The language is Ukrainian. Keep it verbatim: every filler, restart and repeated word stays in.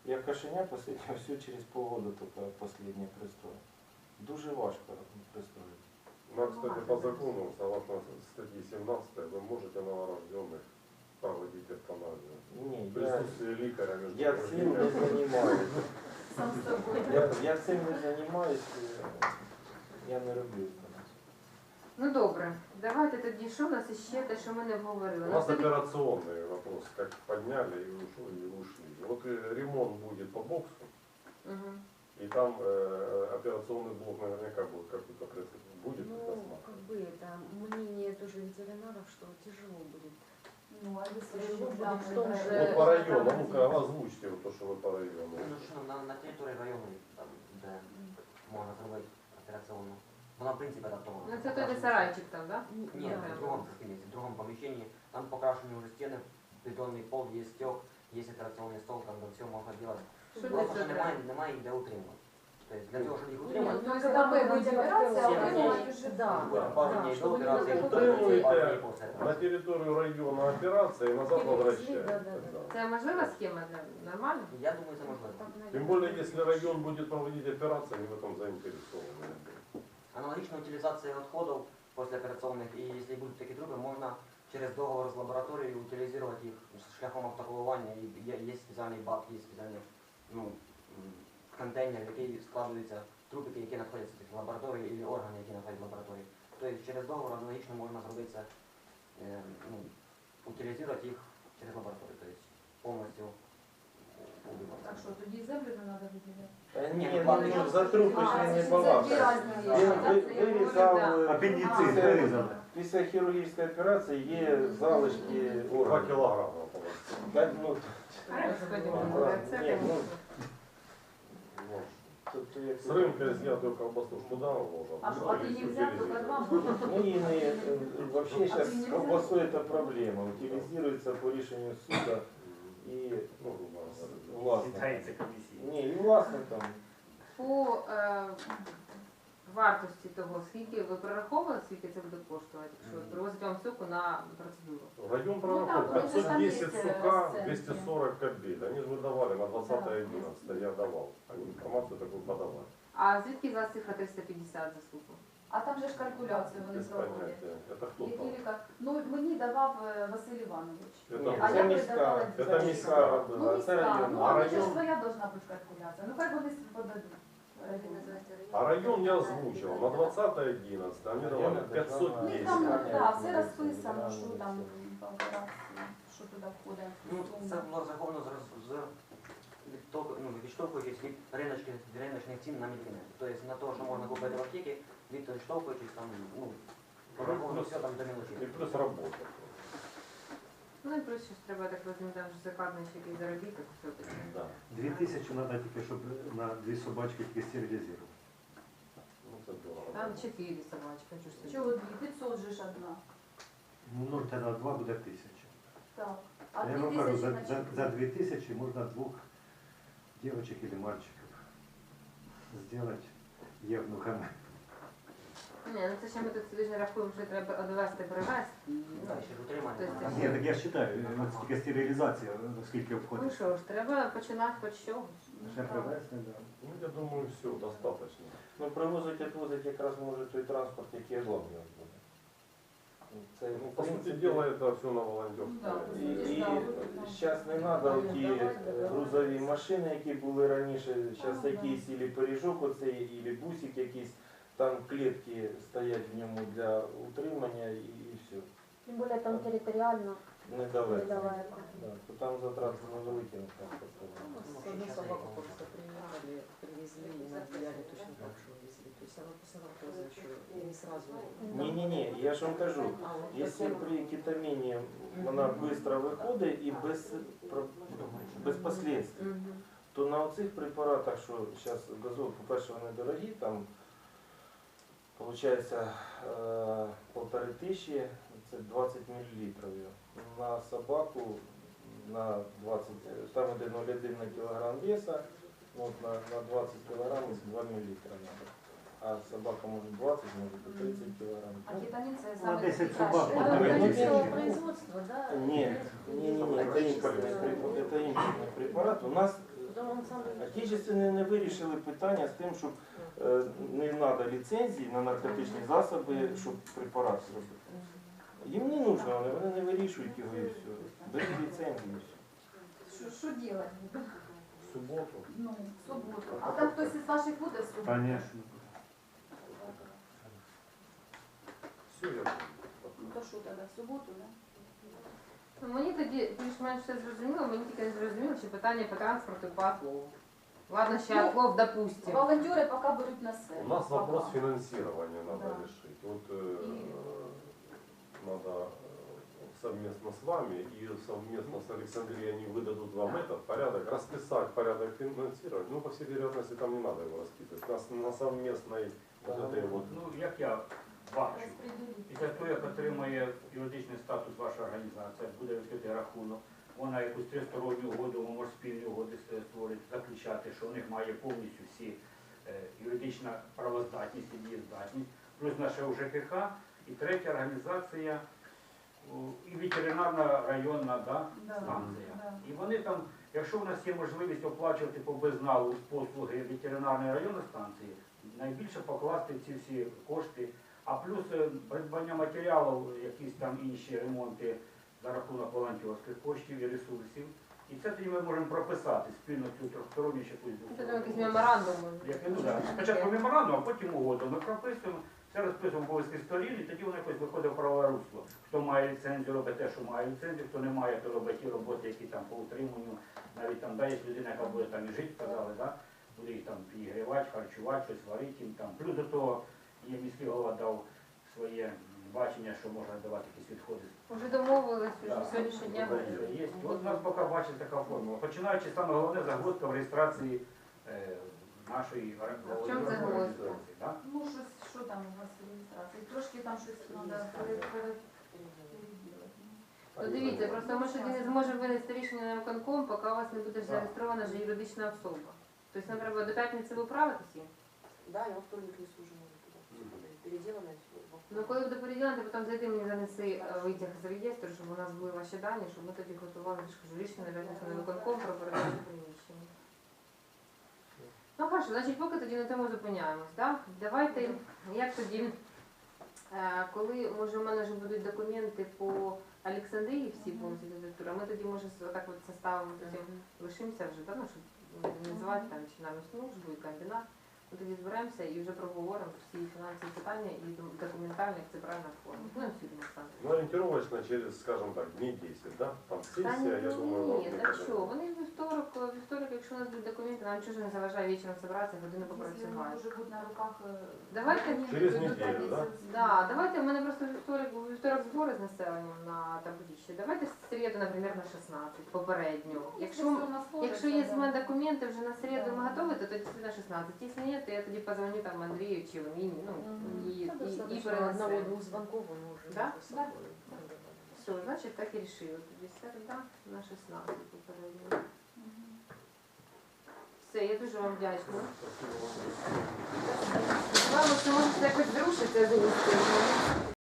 Я кошеня последнее, все через полгода только последнее пристроил. Дуже важко пристроить. Нам, кстати, по закону, согласно статье семнадцатой, вы можете новорожденных проводить эвтаназию. Не, В я, присутствии лікаря между я цим не занимаюсь. Сам з собою. Я, я цим не занимаюсь, я не роблю эвтаназию. Ну добре, давайте тоді, що в нас іще те, що ми не обговорили. У У нас тоді- операционный вопрос, как подняли и ушли, и ушли. Вот э, ремонт будет по боксу, Мгм. и там э, операционный блок наверняка будет какой-то прецедент. Будет Ну, предусмотрен. как бы это мнение тоже ветеринаров, что тяжело будет. Ну, а якщо Тяжело ж будет там в том же... Вот по району, ну-ка озвучьте вот то, что вы по району. Ну що, на, на території району, там, де можна зробити операційну. Вона, в принципі, адаптована. Ну це той де сарайчик там, так? Ні, в другому кабінеті, в другому поміщенні. Там покрашені вже стіни, бетонний пол, є стек, є операційний стол, там де все можна робити. Що Просто для що цього немає, треба? немає де утримувати. Тобто для того, щоб їх Нет, утримати, ну, когда мы будем операция, Семь а дней. мы уже... Да, Да. пару да, дней до чтобы не операції, надо пару утримуєте. дней після На операції. территорию района операция и назад Перевезли, возвращается. да, да, да. Це можлива схема для нормально? Я думаю, це можливо. Так, наверное, Тем более, если район будет проводить операцию, они в этом заинтересованы. Аналогічна утилізація відходів післяопераційних, і якщо будуть такі труби, можна через договор з лабораторією утилізувати їх шляхом автоклавування. І є, є спеціальний бак, є спеціальний ну, м, контейнер, в який складуються трубики, які знаходяться в лабораторії, або органи, які знаходяться в лабораторії. Тобто через договор аналогічно можна зробити це, е, ну, утилізувати їх через лабораторію, тобто повністю убивати. Так що, тоді землю не треба виділяти? Та Ні, ні, ну, ну, ладно, ну, я- за трупи А, ж це не дві балакає. різні Він речі. ви- вирізав е, Апендицит після- вирізали. Після хірургічної операції є залишки Два органів. килограмма положить. Так, ну, Господи, Ладно, Боже, це, ні, ну, Ну, тут, тут як- С рынка снятую колбасу ж куда вложат? А що, а ти нельзя, тільки два можна? Ну и не, э, вообще А сейчас ты с не колбасой это проблема. Утилизируется по решению суда и Ну, грубо говоря. властно. Считается комиссией. Не, и властно там. По е, вартості того, скільки ви прораховували, скільки це буде коштувати, якщо привозять вам суку на процедуру? Район Ну, пророков там, пятьсот десять там есть, э, сука, сценки. двести сорок кабель. Они же выдавали на двадцатое одиннадцатое, я давал. Они информацию такую подавали. А звідки за цифра триста п'ятдесят за суку? А там же ж калькуляцію вони Без проводять. понятия. Это кто Які там? ліка- Ну, мені давав е, Василь Іванович. Это, Ні, А це я міська, передавала це дітей. міська Ну, робила, це міська. районна. Ну, А а це ж район? своя должна бути калькуляція. Ну, хай вони подадуть. а район я озвучил. На двадцатое одиннадцатое они давали пятьсот У них десять. там, Десять. так, все розписано, що там по операції, що туди входить. Ну, це було розраховано з, роз- з відток- ну, відштовхуючись від риночних, риночних цін на медикаменти. Тобто на те, що можна купити в аптеці, відштовхуючись там, ну, прораховано все там до И мілочі. плюс работа. Ну і плюс щось треба, я так розумію, там ж закладний ще якийсь заробіток все-таки. Да. Дві тисячі треба тільки, щоб на дві собачки тільки стерилізувати. Ну, это дорого. Там чотири собачки, хочу ж собі. Чого дві? п'ятсот же ж одна. Ну, тоді два буде тисяча. Так. А Я дві вам кажу, тисячі за, на за, чотири. за дві тисячі можна двох дівчинок або мальчиків зробити євнухами. Ні, ну це ще ми тут собі ж не рахуємо, що треба одвести, привезти. Далі ж утримання. Тобто Ні, так я ж вважаю, от тільки стерилізація, скільки Ну обходить. що ж, треба починати хоч з чогось. Ще привезти, да. Ну, я думаю, все, достаточно. Ну, привозить, відвозить якраз може той транспорт, який обладнаний буде. Це, Ну, в по сути принципі, дела, это все на волонтерское. Да. І, і Да. зараз не треба ті грузові машини, які були раніше, зараз Да, якийсь ілі пиріжок оцей, ілі бусик якийсь, там клітки стоять в ньому для утримання і, і все. Тем более там территориально Недалеко. недалеко. Да, то там затрати невеликі на транспорт. Одну собаку просто приехали, привезли и отделяли точно так же везли. То есть она посмотрела еще не сразу. Ні-ні-ні, я ж вам кажу, А вот якщо потом- при кетаміні вона швидко виходить і без, про- без последствий, Мгм. то на оцих препаратах, що зараз газол, по-перше, вони дорогі, там виходить полтори тисячі, це двадцять мілілітрів. На собаку на двадцять, там іде нуль цілих одна десята кілограм веса, от на, на двадцять кілограм два мілілітра треба. А собака може двадцять, може до тридцять кілограм. А кетамін це На саме десять найкраще. собак Да, можна ну, вивезти. ну, Тысячи. производства, да? Ні, ні, ні, ні, це імпортний препарат. Це імпортний препарат. У нас Отечественні не вирішили питання з тим, щоб е, не треба ліцензії на наркотичні засоби, щоб препарат зробити. Їм не нужно, вони, вони не вирішують його і все. Без ліцензії і все. Що, що делать? В суботу. Ну, в суботу. А там хтось із ваших буде в суботу? Конечно. Все, я Ну то що тоді, в суботу, да? Ну, мені тоді більш-менш все зрозуміло, мені тільки не зрозуміло, чи питання по транспорту і по отлову. Ладно, ще Ну, отлов, допустим. Волонтери поки беруть на себе. У нас вопрос Пока. финансирования надо Да. решить. Вот э, И- надо э, совместно с вами и совместно с Александрией они выдадут вам этот порядок, расписать порядок финансирования. Ну, по всей вероятности, там не надо его расписывать. Нас на совместной вот этой вот. Ну, як я бачу, Розподілити. після того, як отримає юридичний статус ваша організація, буде відкритий рахунок, вона якусь тристоронню угоду, може спільні угоди створить, заключати, що у них має повністю всі е, юридична правоздатність і дієздатність, плюс наша У Ж К Х, і третя організація, о, і ветеринарна районна да, Да, станція. да. І вони там, якщо в нас є можливість оплачувати по безналу послуги ветеринарної районної станції, найбільше покласти ці всі кошти, а плюс е, придбання матеріалів, якісь там інші ремонти за рахунок волонтерських коштів і ресурсів. І це тоді ми можемо прописати спільно цю трьохсторонню ще якусь Це там якийсь меморандум. як, ну, да. Спочатку меморандум, а потім угоду. Ми прописуємо, все розписуємо обов'язки сторін, і тоді воно якось виходить в правове русло. Хто має ліцензію, робить те, що має ліцензію, хто не має, то робить ті роботи, які там по утриманню, навіть там, да, є людина, яка буде там і жити, казали, да, буде їх там підігрівати, харчувати, щось варити їм там. Плюс до того є міський голова дав своє бачення, що можна давати якісь відходи. Вже домовились, вже Да. сьогоднішнього дня. Є. От у нас поки бачить така формула. Починаючи саме головне загвоздка в реєстрації е, нашої А в чому організації. загвоздка? Да? Ну, щось, що там у вас в реєстрації? Трошки там щось треба переділити. Ну дивіться, просто ми ж тоді не зможемо винести рішення на виконком, поки у вас не буде Так. зареєстрована вже юридична особа. Тобто нам треба до п'ятниці виправитися їм. Да, я во вторник несу уже надо туда. Переделано все. Ну коли буде переділено, потім зайди мені занеси е, витяг з реєстру, щоб у нас були ваші дані, щоб ми тоді готували я ж кажу, рішення на виконком про передачу приміщення. Ну хорошо, значить поки тоді на тому зупиняємось. Так? Давайте, як тоді, е, коли може у мене вже будуть документи по Олександрії, всі повністю директора, ми тоді може с- отак от составимо, потім лишимося вже, да, ну, щоб не називати там чинарну службу і комбінат. Ми тоді зберемося і вже проговоримо всі фінансові питання і документально, як це правильно оформити. Ну, і всюди Олександр. Ну, ориентировочно через, скажем так, дней десять, да? Там Та сессия, я думаю, вам ні, не так подойдет. що, вони вівторок, вівторок, якщо у нас будуть документи, нам чужо не заважає вечором зібратися, годину Якщо попрацювати. може бути на руках... е, Давайте документи, через то неділю, тоді да? це- Да, давайте, у мене просто вівторок, у вівторок збори з населенням на табличці. Давайте в середу, наприклад, на шістнадцять, попередньо. Якщо, все у нас якщо сложиться, є в мене да. документи вже на середу ми Да. готові, то тоді на шістнадцять. Якщо ні, то я тоді позвоню там Андрію чи Міні, ну, Мгм. і, Да, і, і достаточно перенесемо. одного-двух звонков, он уже Да? между Да. собой договорится. Все, значить так і рішили. Тоді середа на шістнадцять попередньо. Мгм. Все, я дуже вам вдячна. Спасибо вам. Вам, що можете якось зрушити за місце.